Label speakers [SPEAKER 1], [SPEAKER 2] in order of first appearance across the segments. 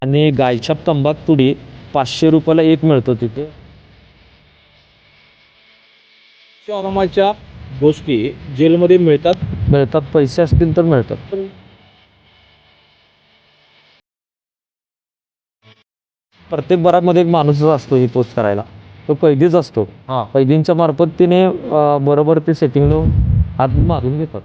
[SPEAKER 1] आणि गायछाप तंबाखुडी 500 रुपयाला एक मिळतो तिथे.
[SPEAKER 2] आरामाच्या गोष्टी जेलमध्ये मिळतात.
[SPEAKER 1] पैसे असतील तर मिळतात. प्रत्येक बराकमध्ये एक माणूसच असतो ही पोस्ट करायला. तो कैदीच असतो. कैदींच्या मार्फत तिने बरोबर ते सेटिंग लावून हात मारून घेतात.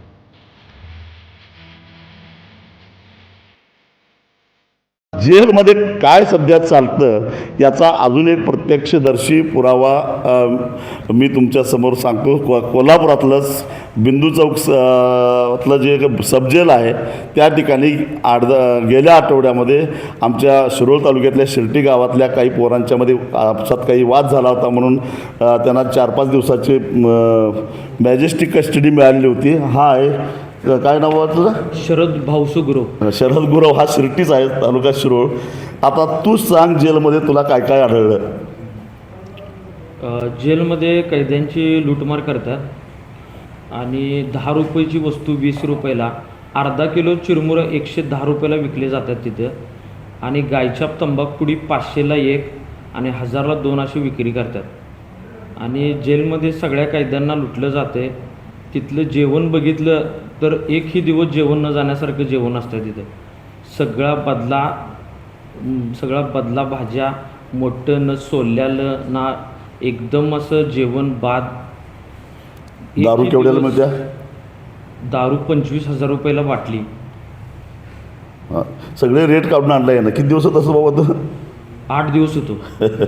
[SPEAKER 3] जेलमध्ये काय सध्या चालतं याचा अजून एक प्रत्यक्षदर्शी पुरावा मी तुमच्या समोर सांगतो. कोल्हापुरातलंच बिंदू चौक तलं जे सब जेल आहे त्या ठिकाणी गेल्या आठवड्यामध्ये आमच्या शिरोळ तालुक्यातल्या शिर्टी गावातल्या काही पोरांच्यामध्ये आपसात काही वाद झाला होता म्हणून त्यांना 4-5 दिवसाची मॅजेस्टिक कस्टडी मिळालेली होती. हा आहे काय नाव आहे तुझं?
[SPEAKER 1] शरद भाऊसू गुरव.
[SPEAKER 3] शरद गुरव हा शिर्टीच आहे, तालुका शिरोळ. आता तू सांग जेलमध्ये तुला काय काय आढळलं?
[SPEAKER 1] जेलमध्ये कैद्यांची लूटमार करतात आणि 10 रुपयाची वस्तू 20 रुपयाला, अर्धा किलो चिरमुरं 110 रुपयाला विकले जातात तिथं. आणि गायछाप तंबाखुडी 500ला 1 आणि 1000ला 2 अशी विक्री करतात. आणि जेलमध्ये सगळ्या कैद्यांना लुटलं जाते. तिथलं जेवण बघितलं तर एकही दिवस जेवण न जाण्यासारखं जेवण असतं तिथं. सगळा बदला भाज्या, मोठं न सोलल्यालं ना, एकदम असं जेवण बाद.
[SPEAKER 3] दारू केवढ्याला मिळते?
[SPEAKER 1] दारू 25,000 रुपयाला बाटली.
[SPEAKER 3] सगळे रेट काढून आणलाय ना. किती दिवस होत असं बाबा तू?
[SPEAKER 1] 8 दिवस होतो.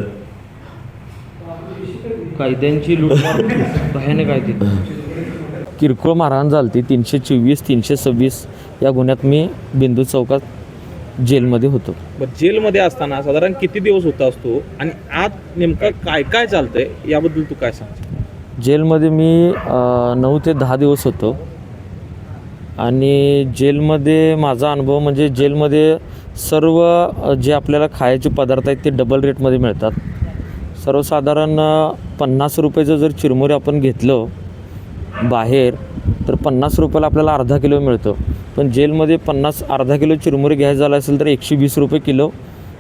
[SPEAKER 1] कैद्यांची लूटमार भयानक आहे तिथं. किरकोळ मारहाण झाली. 324, 326 या गुन्ह्यात मी बिंदू चौकात जेलमध्ये होतो.
[SPEAKER 2] जेलमध्ये असताना साधारण किती दिवस होता असतो आणि आत नेमकं काय काय चालतंय याबद्दल तू काय सांगतो?
[SPEAKER 1] जेलमध्ये मी 9 ते 10 दिवस होतो. आणि जेलमध्ये माझा अनुभव म्हणजे जेलमध्ये सर्व जे आपल्याला खायचे पदार्थ आहेत ते डबल रेटमध्ये मिळतात. सर्वसाधारण 50 रुपयाचं जर चिरमुरे आपण घेतलं बाहेर तर 50 रुपयाला आपल्याला अर्धा किलो मिळतो. पण जेलमध्ये अर्धा किलो चिरमुरे घ्यायचं झालं असेल तर 120 रुपये किलो,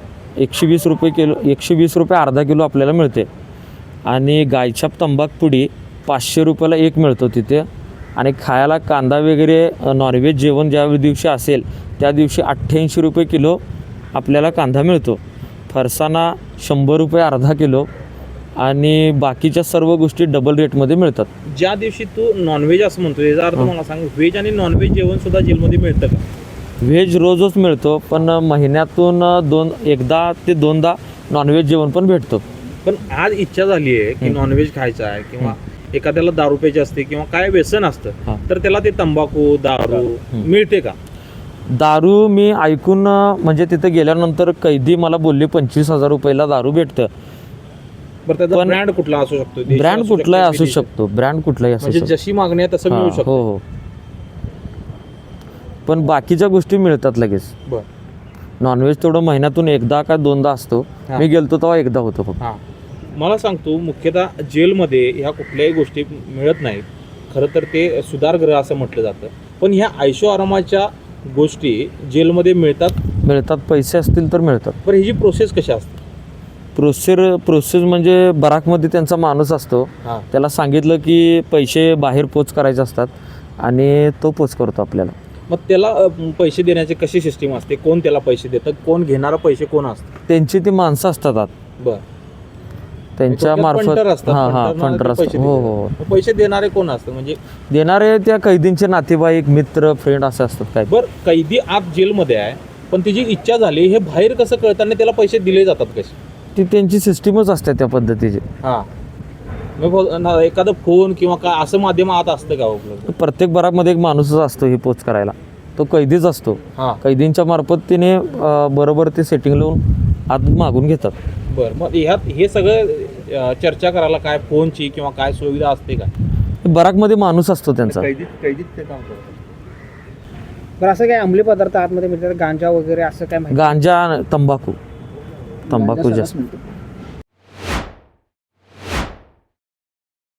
[SPEAKER 1] 120 रुपये अर्धा किलो आपल्याला मिळते. आणि गायछाप तंबाखुडी 500 रुपयाला एक मिळतो तिथे. आणि खायला कांदा वगैरे नॉनव्हेज जेवण ज्या दिवशी असेल त्या दिवशी 88 रुपये किलो आपल्याला कांदा मिळतो. फरसाणा 100 रुपये अर्धा किलो. आणि बाकीच्या सर्व गोष्टी डबल रेटमध्ये मिळतात.
[SPEAKER 2] ज्या दिवशी तू नॉनव्हेज असं म्हणतो याचा अर्थ मला सांग, व्हेज आणि नॉनव्हेज जेवण सुद्धा जेलमध्ये मिळतं का?
[SPEAKER 1] व्हेज रोजच मिळतो, पण महिन्यातून एकदा ते दोनदा नॉनव्हेज जेवण पण भेटतो.
[SPEAKER 2] पण आज इच्छा झाली आहे की नॉनव्हेज खायचं आहे किंवा एखाद्याला दारू प्यायची असते किंवा काय व्यसन असतं तर त्याला ते तंबाखू दारू मिळते का?
[SPEAKER 1] दारू मी ऐकून म्हणजे तिथे गेल्यानंतर कैदी मला बोलले 25,000 रुपयाला दारू भेटतं.
[SPEAKER 2] पण ब्रँड कुठला असू शकतो?
[SPEAKER 1] ब्रँड कुठलाही असू शकतो. ब्रँड कुठलाही असू शकतो.
[SPEAKER 2] जशी मागणी आहे तसं मिळू शकतो.
[SPEAKER 1] हो. पण बाकीच्या गोष्टी मिळतात लगेच. नॉनव्हेज तेवढं महिन्यातून एकदा का दोनदा असतो. मी गेलतो तेव्हा एकदा होतो फक्त.
[SPEAKER 2] मला सांगतो, मुख्यतः जेलमध्ये ह्या कुठल्याही गोष्टी मिळत नाहीत. खरं तर ते सुधारगृह असं म्हटलं जातं. पण ह्या ऐशो आरामाच्या गोष्टी जेलमध्ये मिळतात.
[SPEAKER 1] पैसे असतील तर मिळतात.
[SPEAKER 2] पण ह्याची प्रोसेस कशी असते?
[SPEAKER 1] प्रोसेस म्हणजे बराकमध्ये त्यांचा माणूस असतो. त्याला सांगितलं की पैसे बाहेर पोच करायचे असतात आणि तो पोच करतो आपल्याला.
[SPEAKER 2] मग त्याला पैसे देण्याची कशी सिस्टीम असते? कोण त्याला पैसे देतं? कोण घेणारा पैसे कोण असतं?
[SPEAKER 1] त्यांची ती माणसं असतात. त्यांच्या मार्फत फंटर असतात. हो.
[SPEAKER 2] पैसे देणारे कोण असतं? म्हणजे
[SPEAKER 1] देणारे त्या कैदींचे नातेवाईक, मित्र, फ्रेंड असे असतात. काय
[SPEAKER 2] बरं, कैदी आत जेलमध्ये आहे पण तिची इच्छा झाली, हे बाहेर कसं कळताना त्याला पैसे दिले जातात कसे?
[SPEAKER 1] ती त्यांची सिस्टीमच असते त्या पद्धतीची.
[SPEAKER 2] एखादा फोन किंवा काय असं माध्यम आत असतं का उपलब्ध?
[SPEAKER 1] प्रत्येक बराकमध्ये एक माणूसच असतो ही पोच करायला. तो कैदीच असतो. कैदींच्या मार्फत तिने बरोबर ते सेटिंग लावून आत मागून घेतात.
[SPEAKER 2] बरं, मग ह्यात हे सगळं चर्चा करायला काय फोनची किंवा काय सुविधा असते का?
[SPEAKER 1] बराकमध्ये माणूस असतो त्यांचा.
[SPEAKER 2] कैदीत ते काम करतात.
[SPEAKER 4] बरं, असं काय अंमली पदार्थ आतमध्ये मिळतात? गांजा वगैरे असं काय?
[SPEAKER 1] गांजा, तंबाखू जास्त.